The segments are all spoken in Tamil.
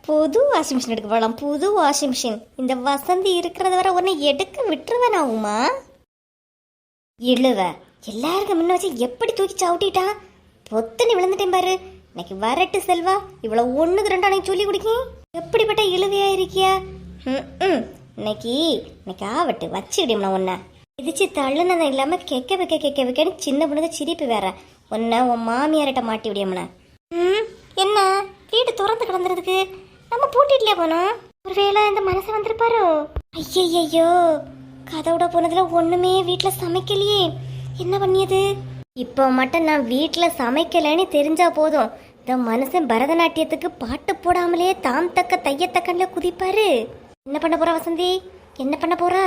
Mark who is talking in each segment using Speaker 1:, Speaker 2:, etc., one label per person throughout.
Speaker 1: புது வாஷிங் மிஷின் எடுக்க போகலாம். புது வாஷிங் மிஷின். இந்த வசந்தி இருக்கிறத வர ஒன்று எடுக்க விட்டுருவேன் ஆகுமா? இழுவ எல்லாருக்கும் முன்ன வச்சு எப்படி தூக்கி சவுட்டிட்டா பொத்தனி விழுந்துட்டேன் பாரு. இன்னைக்கு வரட்டு செல்வா, இவ்வளவு 1-2 அன்னைக்கு சொல்லி கொடுக்கேன். எப்படிப்பட்ட இழுவையா இருக்கியா? இன்னைக்கு ஆவட்டு வச்சுக்கிட்டோம்னா ஒன்ன இதிச்சு தள்ளுனதும் இல்லாம கெக்க வைக்கன்னு சின்ன பொண்ணுங்க சிரிப்பு வேற. ஒன்ன உன் மாமியார்கிட்ட மாட்டி விடியம்னா. என்ன வீடு திறந்து கிடந்துறதுக்கு நம்ம பூட்டிட்டுலயே போனோம். ஒருவேளை இந்த மனசை வந்திருப்பாரோ? ஐயோ, கதவுட போனதுல ஒண்ணுமே வீட்டுல சமைக்கலையே, என்ன பண்ணியது? இப்போ மட்டும் நான் வீட்டுல சமைக்கலன்னு தெரிஞ்சா போதும், இந்த மனுஷன் பரதநாட்டியத்துக்கு பாட்டு போடாமலே தாம் தக்க தையத்தக்கன்ல குதிப்பாரு. என்ன பண்ண போறா வசந்தி? என்ன பண்ண போறா?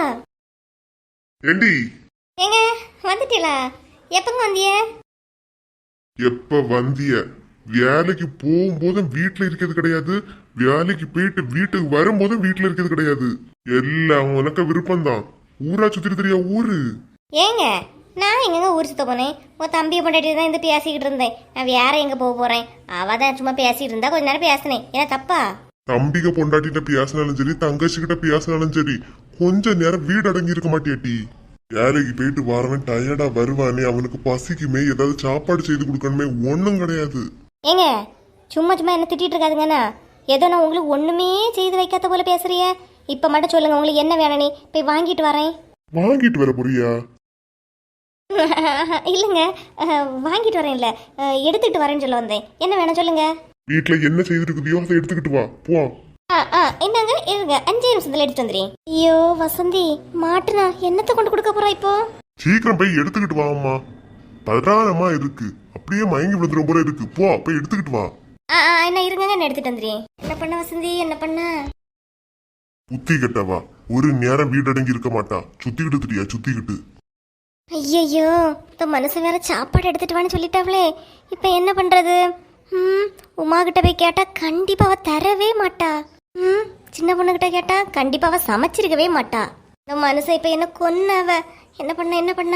Speaker 1: ஏங்க வந்துட்டீங்களா? எப்பங்க வந்திய?
Speaker 2: எப்ப வந்திய? வேலைக்கு போகும்போதும் வீட்டுல இருக்கிறது கிடையாது, வேலைக்கு போயிட்டு வீட்டுக்கு வரும்போதும் வீட்டுல இருக்கிறது கிடையாது. எல்லாம் உனக்கு விருப்பம்தான். ஊரா சுத்திட்டு தெரியா ஊரு?
Speaker 1: ஏங்க நான் எங்க ஊர் சுத்த போனேன்? உன் தம்பியை கொண்டாடி தான் இந்த பேசிக்கிட்டு இருந்தேன். நான் வேற எங்க போக போறேன்? அவதான் சும்மா பேசிட்டு இருந்தா கொஞ்ச நேரம் பேசினேன். ஏன்னா தப்பா?
Speaker 2: தம்பிக பொண்டாட்டிட்ட பேசினாலும் சரி, தங்கச்சி கிட்ட பேசினாலும் சரி, கொஞ்ச நேரம் வீடு அடங்கி இருக்க மாட்டியாட்டி? வேலைக்கு போயிட்டு வரவன் டயர்டா வருவானே, அவனுக்கு பசிக்குமே, ஏதாவது சாப்பாடு செய்து கொடுக்கணுமே, ஒன்னும் கிடையாது.
Speaker 1: ஏங்க சும்மா என்ன திட்டிட்டு இருக்காதுங்கண்ணா. ஏதோ நான் உங்களுக்கு ஒண்ணுமே செய்து வைக்காத போல பேசுறிய. இப்ப மட்டும் சொல்லுங்க, உங்களுக்கு என்ன வேணும்? நீ போய் வாங்கிட்டு வரேன்.
Speaker 2: வாங்கிட்டு வர போறியா?
Speaker 1: இல்லைங்க, வாங்கிட்டு வரேன். இல்ல எடுத்துக்கிட்டு வரேன்னு சொல்ல வந்தேன். என்ன வேணும் சொல்லுங்க.
Speaker 2: வீட்டுல என்ன செய்திருக்குதியோ அதை எடுத்துக்கிட்டு வா. போ.
Speaker 1: என்னங்க இருங்க, 5 நிமிஷத்துல எடுத்துட்டு வந்துறேன். ஐயோ வசந்தி, மாட்டுனா என்னத்தை கொண்டு கொடுக்க போறா இப்போ?
Speaker 2: சீக்கிரம் போய் எடுத்துக்கிட்டு வா. அம்மா பதறானமா இருக்கு, அப்படியே மயங்கி விழுந்துரும் போல இருக்கு. போ போய் எடுத்துக்கிட்டு வா.
Speaker 1: என்ன இருங்க, நான் எடுத்துட்டு வந்துறேன். என்ன பண்ண வசந்தி, என்ன பண்ண?
Speaker 2: புத்தி கட்டவா, ஒரு நேரம் வீடு அடங்கி இருக்க மாட்டா. சுத்திக்கிட்டு திரியா சுத்திக்கிட்டு.
Speaker 1: ஐயோ, இந்த மனுஷன் வேற சாப்பாடு எடுத்துட்டு வான்னு சொல்லிட்டாவளே, இப்ப என்ன பண்றது? உமா கிட்ட போய் கேட்டா கண்டிப்பா அவ தரவே மாட்டா. சின்ன பொண்ணு கிட்ட கேட்டா கண்டிப்பா அவ சமைச்சிருக்கவே மாட்டா. இந்த மனுஷன் இப்ப என்ன கொன்னவ. என்ன பண்ண?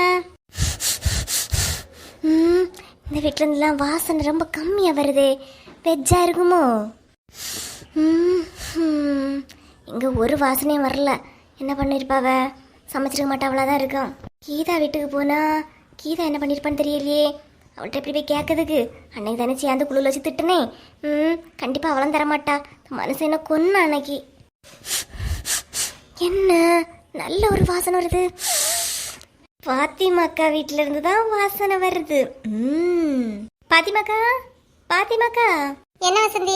Speaker 1: இந்த வீட்டுல இருந்துலாம் வாசனை ரொம்ப கம்மியா வருதே. வெஜ்ஜா இருக்குமோ? இங்க ஒரு வாசனையும் வரல. என்ன பண்ணிருப்பாவ? சமைச்சிருக்க மாட்டா, அவ்வளோதான் இருக்கும். கீதா வீட்டுக்கு போனா கீதா என்ன பண்ணிருப்பான்னு தெரியலையே. அவள்கிட்ட எப்படி போய் கேட்கறதுக்கு? அன்னைக்கு தானே சேர்ந்து குழுவில் வச்சு திட்டுனே. கண்டிப்பா அவளும் தரமாட்டா. மனுஷன் என்ன கொன்ன அன்னைக்கு. என்ன நல்ல ஒரு வாசனை வருது. பாத்திமாக்கா வீட்டுல இருந்து தான் வாசனை வருது. பாத்திமாக்கா என்ன வசந்தி?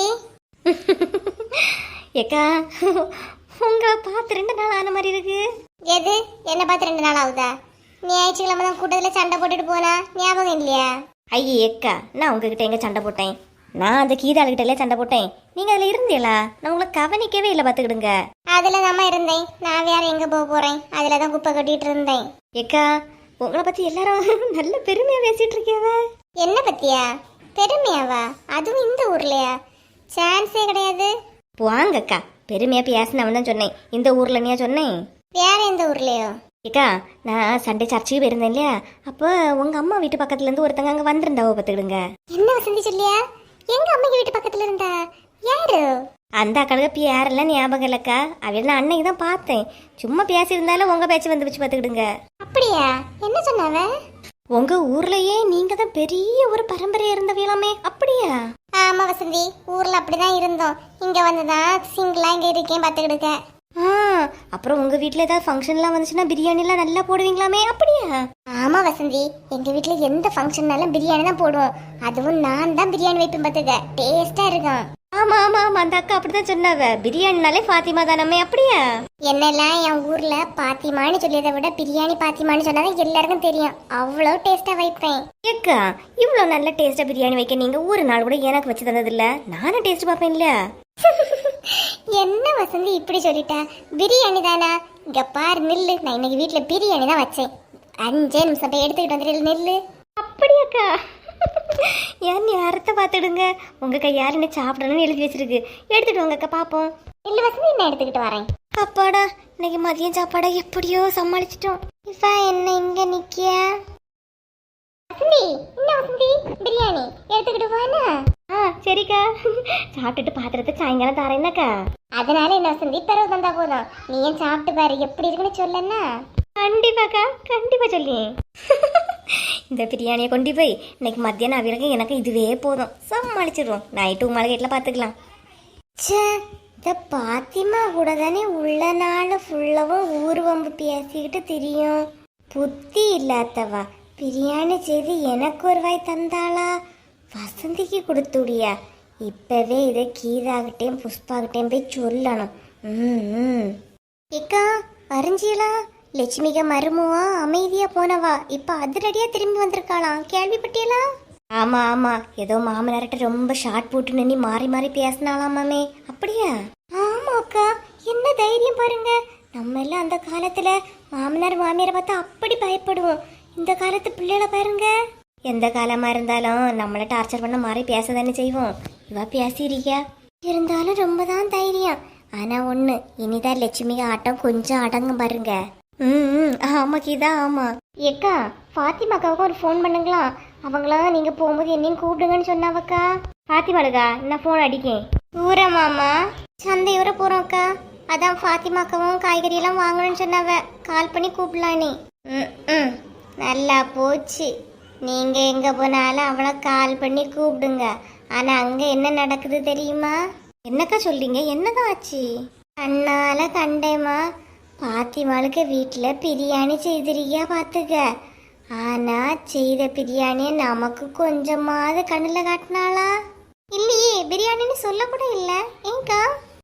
Speaker 1: ஏக்கா உங்களை பார்த்து 2 நாள் ஆன மாதிரி இருக்கு. எது என்ன பார்த்து 2 நாள் ஆகுதா? ஞாயிற்றுக்கிழமை தான் கூட்டத்தில் சண்டை போட்டுட்டு போனா ஞாபகம் இல்லையா? ஐயே ஏக்கா, நான் உங்ககிட்ட எங்க சண்டை போட்டேன்? நான் அந்த கீதாளுகிட்ட சண்டை போட்டேன். நீங்க அதுல இருந்தீங்களா? நான் உங்களை கவனிக்கவே இல்லை, பாத்துக்கிடுங்க. அதுல தான் இருந்தேன். நான் வேற எங்க போக போறேன்? அதுலதான் குப்பை கட்டிட்டு இருந்தேன். ஏக்கா உங்களை பத்தி எல்லாரும் நல்ல பெருமையா பேசிட்டு இருக்கியாவ. என்ன பத்தியா பெருமையாவா? அதுவும் இந்த ஊர்லயா? சான்ஸே கிடையாது. வாங்கக்கா, பெருமையா பேசினவன் தான் சொன்னேன். இந்த ஊர்ல நீயா சொன்னேன்? வேற எந்த ஊர்லயோ? ஏக்கா நான் சண்டே சர்ச்சுக்கு போயிருந்தேன் இல்லையா, அப்போ உங்க அம்மா வீட்டு பக்கத்துல இருந்து ஒருத்தங்க அங்க வந்திருந்தாவோ, பாத்துக்கிடுங்க. என்ன வசந்தி சொல்லியா? எங்க அம்மா வீட்டு பக்கத்துல இருந்தா? யாரு? அந்த அக்காளுக்கு யாரெல்லாம் ஞாபகம் இல்லக்கா. அவள் நான் அன்னைக்கு தான் பார்த்தேன். சும்மா பேசியிருந்தாலும் உங்க பேச்சு வந்து வச்சு பாத்துக்கிடுங்க. அப்படியா? என்ன சொன்னாவ? உங்க ஊர்லயே நீங்க தான் பெரிய ஒரு பரம்பரையா இருந்தவீங்களாமே, அப்படியா? ஆமா வசந்தி, ஊர்ல அப்படிதான் இருந்தோம். இங்க வந்துதான் சிங்கிளா இங்க இருக்கேன், பாத்துக்கிடுங்க. அப்புறம் உங்க வீட்ல ஏதாவது ஃபங்க்ஷன்லாம் வந்துச்சுன்னா பிரியாணி எல்லாம் நல்லா போடுவீங்களாமே, அப்படியா? ஆமா வசந்தி, எங்க வீட்ல எந்த ஃபங்க்ஷன்னாலும் பிரியாணி தான் போடுவோம். அதுவும் நான் தான் பிரியாணி வைப்பேன், பாத்துக்க. டேஸ்டா இருக்கும். ஆமா அந்த அக்கா அப்படிதான் சொன்னாவ. பிரியாணினாலே பாத்திமா தானே, அப்படியா? என்னெல்லாம் என் ஊர்ல பாத்திமான்னு சொல்லியதை விட பிரியாணி பாத்திமான்னு சொன்னாதான் எல்லாருக்கும் தெரியும். அவ்வளவு டேஸ்டா வைப்பேன். ஏக்கா இவ்வளவு நல்ல டேஸ்டா பிரியாணி வைக்க நீங்க ஒரு நாள் கூட எனக்கு வச்சு தந்தது இல்ல. நானும் டேஸ்ட் பாப்பேன் இல்ல. என்ன வசந்தி இப்படி சொல்லிட்டா? பிரியாணி தானா? இங்க பாரு நில்லு, நான் இன்னைக்கு வீட்டுல பிரியாணி தான் வச்சேன். 5 நிமிஷம் போய் எடுத்துக்கிட்டு வந்துட்டு நில்லு. அப்படியாக்கா? ஏன் அறுத்த பார்த்துடுங்க. உங்க கையால் என்ன சாப்பிடணும்னு எழுதி வச்சிருக்கு. எடுத்துட்டு வாங்கக்கா பாப்போம். இல்ல வசந்தி, நான் எடுத்துக்கிட்டு வரேன். அப்பாடா, இன்னைக்கு மதியம் சாப்பாடா எப்படியோ சமாளிச்சிட்டோம். இப்ப என்ன இங்க நிக்கிய? வசந்தி என்ன வசந்தி பிரியாணி எடுத்துக்கிட்டு வானா. சரிக்கா, சாப்பிட்டுட்டு பாத்திரத்தை சாயங்காலம் தரேன்னாக்கா. அதனால என்ன வசந்தி பிறகு தந்தா போதும். நீ ஏன் சாப்பிட்டு பாரு எப்படி இருக்குன்னு சொல்லன்னா. கண்டிப்பாக்கா, கண்டிப்பா சொல்லி. இந்த பிரியாணியை கொண்டு போய் இன்னைக்கு மத்தியானம் அவிரகம் எனக்கு இதுவே போதும், சமாளிச்சிடுவோம். நைட்டு உமால வீட்டில் பார்த்துக்கலாம். சே, இந்த பாத்திமா கூட தானே உள்ள நாள் ஃபுல்லாவும் ஊர்வம்பு பேசிக்கிட்டு தெரியும். புத்தி இல்லாதவா பிரியாணி செய்து எனக்கு ஒரு வாய் தந்தாளா, வசந்திக்கு கொடுத்துடியா. இப்பவே இதை கீதாகிட்டேயும் புஷ்பாகிட்டேயும் போய் சொல்லணும். ஏக்கா அறிஞ்சியலா, லட்சுமிகா மருமுவா அமைதியா போனவா இப்ப அதிரடியா திரும்பி வந்திருக்காளாம், கேள்விப்பட்டியலா? ஆமா ஆமா, ஏதோ மாமனார்கிட்ட ரொம்ப ஷார்ட் போட்டு நின்று மாறி மாறி பேசினாலாமே. அப்படியா? ஆமா அக்கா, என்ன தைரியம் பாருங்க. நம்ம எல்லாம் அந்த காலத்துல மாமனார் மாமியாரை பார்த்தா அப்படி பயப்படுவோம். இந்த காலத்து பிள்ளைகளை பாருங்க. எந்த காலமா இருந்தாலும் நம்மள டார்ச்சர் பண்ண மாதிரி பேச தானே செய்வோம். இவ பேசியிருக்கியா? இருந்தாலும் ரொம்ப தான் தைரியம். ஆனா ஒண்ணு, இனிதான் லட்சுமி ஆட்டம் கொஞ்சம் அடங்கும் பாருங்க. ஆமா கீதா, ஆமா. ஏக்கா, ஃபாத்திமாக்காவுக்கு ஒரு ஃபோன் பண்ணுங்களா. அவங்களாம் நீங்க போகும்போது என்னையும் கூப்பிடுங்கன்னு சொன்னாவக்கா. ஃபாத்திமாளுக்கா நான் ஃபோன் அடிக்கேன். ஊரமாமா சந்தையூர போறோம் அக்கா. அதான் ஃபாத்திமாக்காவும் காய்கறி எல்லாம் வாங்கணும்னு சொன்னாவ. கால் பண்ணி கூப்பிடலாம் நீ. நல்லா போச்சு. நீங்க எங்க போனாலும் அவளை கால் பண்ணி கூப்பிடுங்க. ஆனா அங்க என்ன நடக்குது தெரியுமா? என்னக்கா சொல்றீங்க? என்னதான் ஆச்சு? கண்ணால கண்டேமா, பாத்திமாளுக்கு வீட்டில் பிரியாணி செய்திருக்கியா பார்த்துக்க. ஆனா செய்த பிரியாணியை நமக்கு கொஞ்சமாவது கண்ணில் காட்டினாளா? இல்லையே, பிரியாணின்னு சொல்ல கூட இல்லை. ஏங்கா?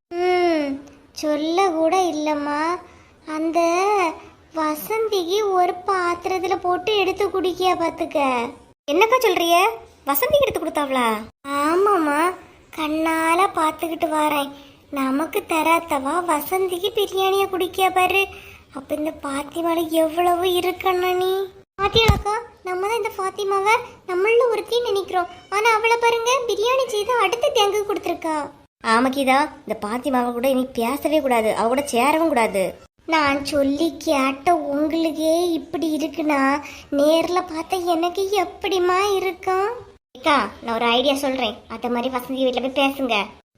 Speaker 1: சொல்ல கூட இல்லைம்மா. அந்த வசந்திக்கு ஒரு பாத்திரத்துல போட்டு எடுத்து குடிக்கியா பார்த்துக்க. என்னக்கா சொல்றிய? வசந்திக்கு எடுத்து கொடுத்தாவளா? ஆமாம்மா, கண்ணால பார்த்துக்கிட்டு வரேன். நமக்கு தராத்தவா வசந்திக்கு பிரியாணியை குடிக்கியா பாரு. அப்ப இந்த பாத்திமால எவ்வளவு இருக்கணும் நீ. பாத்தியாக்கா, நம்ம தான் இந்த பாத்திமாவை நம்மள ஒருத்தி நினைக்கிறோம். ஆனா அவளை பாருங்க, பிரியாணி செய்து அடுத்த தேங்கு கொடுத்துருக்கா. ஆமாக்கிதா, இந்த பாத்திமாவை கூட இனி பேசவே கூடாது, அவ கூட சேரவும் கூடாது. நான் சொல்லி கேட்ட உங்களுக்கே இப்படி இருக்குன்னா நேர்ல பார்த்தா எனக்கு எப்படிமா இருக்கும்? அக்கா, நான் ஒரு ஐடியா சொல்றேன். அத மாதிரி வசந்தி வீட்டுல போய் பேசுங்க.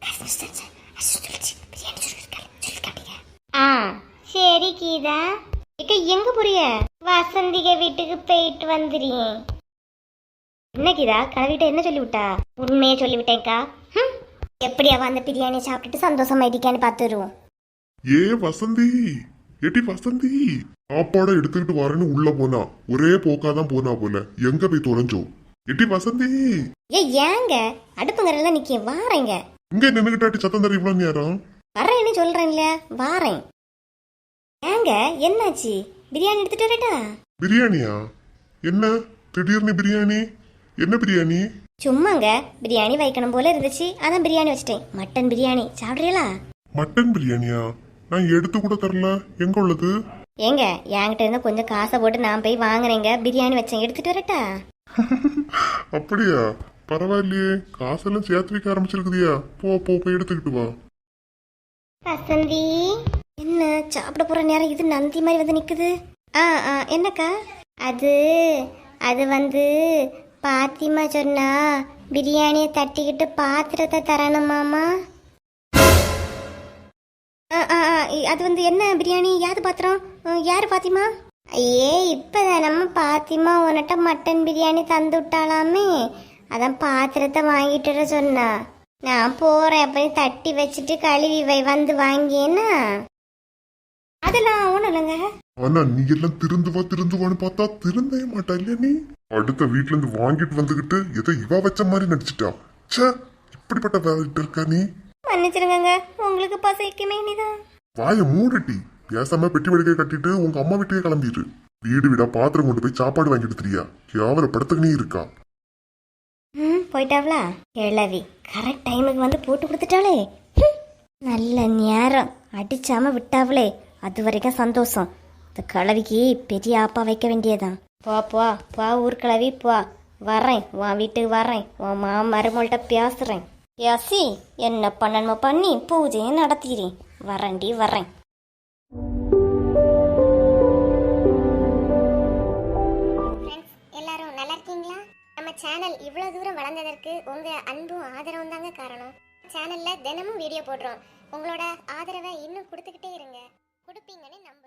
Speaker 1: சரி கீதா. இக்கா எங்க போறிய? வசந்திக வீட்டுக்கு போயிட்டு வந்துடுறேன். என்ன கீதா, கலவிட்ட என்ன சொல்லிவிட்டா? உண்மையை சொல்லிவிட்டேன்க்கா. எப்படியா அந்த பிரியாணி சாப்பிட்டுட்டு சந்தோஷமா இருக்கான்னு பார்த்துருவோம்.
Speaker 2: ஏ வசந்தி, ஏட்டி வசந்தி, சாப்பாடை எடுத்துக்கிட்டு வரேன்னு உள்ள போனா ஒரே போக்காதான் போனா போல. எங்க போய் தொலைஞ்சோ? ஏட்டி வசந்தி.
Speaker 1: ஏங்க அடுப்புங்கறல நிக்க வாரேங்க.
Speaker 2: இங்க நின்னுகிட்டாட்டி சத்தம் தர இவ்வளவு நேரம்?
Speaker 1: வரேன்னு சொல்றேன்ல, வாரேன். ஏங்க என்னாச்சு? பிரியாணி எடுத்துட்டு வரட்டா?
Speaker 2: பிரியாணியா? என்ன திடீர்னு பிரியாணி? என்ன பிரியாணி?
Speaker 1: சும்மாங்க பிரியாணி வைக்கணும் போல இருந்துச்சு, அதான் பிரியாணி வச்சிட்டேன். மட்டன் பிரியாணி சாப்பிடுறீங்களா?
Speaker 2: மட்டன் பிரியாணியா? நான் எடுத்து கூட தரல. எங்க உள்ளது?
Speaker 1: ஏங்க என்கிட்ட இருந்து கொஞ்சம் காசை போட்டு நான் போய் வாங்குறேங்க, பிரியாணி வச்சேன். எடுத்துட்டு வரட்டா?
Speaker 2: அப்படியா? பரவாயில்லையே, காசெல்லாம் சேர்த்து வைக்க ஆரம்பிச்சிருக்குதியா? போ போ போய் எடுத்துக்கிட்டு வா.
Speaker 1: வசந்தி, என்ன சாப்பிட போற நேரம் இது நந்தி மாதிரி வந்து நிக்குது. என்னக்கா? அது வந்து பாத்திமா சொன்னா பிரியாணியை தட்டிக்கிட்டு பாத்திரத்தை தரணுமாமா. அது வந்து என்ன பிரியாணி? யாது பாத்திரம்? யாரு பாத்திமா? ஐயே, இப்பதான் நம்ம பாத்திமா உன்கிட்ட மட்டன் பிரியாணி தந்து விட்டாலாமே, அதான் பாத்திரத்தை வாங்கிட்டு வர சொன்னா. நான் போறேன், அப்ப தட்டி வச்சுட்டு கழுவி வை, வந்து வாங்கியேன்னா. அதெல்லாம் ஒண்ணும் இல்லைங்க.
Speaker 2: ஆனா நீ எல்லாம் திருந்துவான்னு பார்த்தா திருந்தே மாட்டா இல்லையா நீ? அடுத்த வீட்டுல இருந்து வாங்கிட்டு வந்துகிட்டு ஏதோ இவ வச்ச மாதிரி நடிச்சிட்டா. சே, இப்படிப்பட்ட வேலைட்டு இருக்கா நீ?
Speaker 1: மன்னிச்சிருங்க, உங்களுக்கு பசைக்குமே நீதான்.
Speaker 2: வாய மூடட்டி, பேசாம பெட்டி வடிக்கை கட்டிட்டு உங்க அம்மா வீட்டுக்கே கிளம்பிடு. வீடு வீடா பாத்திரம் கொண்டு போய் சாப்பாடு வாங்கிட்டு தெரியா? கேவலப்படுத்துக்கு நீ இருக்கா?
Speaker 1: போயிட்டாவளா கிழவி? கரெக்ட் டைமுக்கு வந்து போட்டு கொடுத்துட்டாளே. நல்ல நேரம் அடிச்சாம விட்டாவளே, அது வரைக்கும் சந்தோஷம். இந்த கிழவிக்கு பெரிய ஆப்பா வைக்க வேண்டியதான். போ போ போ ஊர் கிழவி போ. வரேன், உன் வீட்டுக்கு வரேன், உன் மருமகள்கிட்ட பேசுறேன். யாசி என்ன பண்ணணுமோ பண்ணி பூஜையை நடத்திக்கிறேன். வரேன்டி வரேன். எல்லாரும் நல்லா இருக்கீங்களா? சேனல் இவ்வளவு தூரம் வளர்ந்ததற்கு உங்க அன்பும் ஆதரவும் தாங்க காரணம். சேனல்ல தினமும் வீடியோ போடுறோம். உங்களோட ஆதரவை இன்னும் கொடுத்துக்கிட்டே இருங்க. கொடுப்பீங்கன்னு நம்ப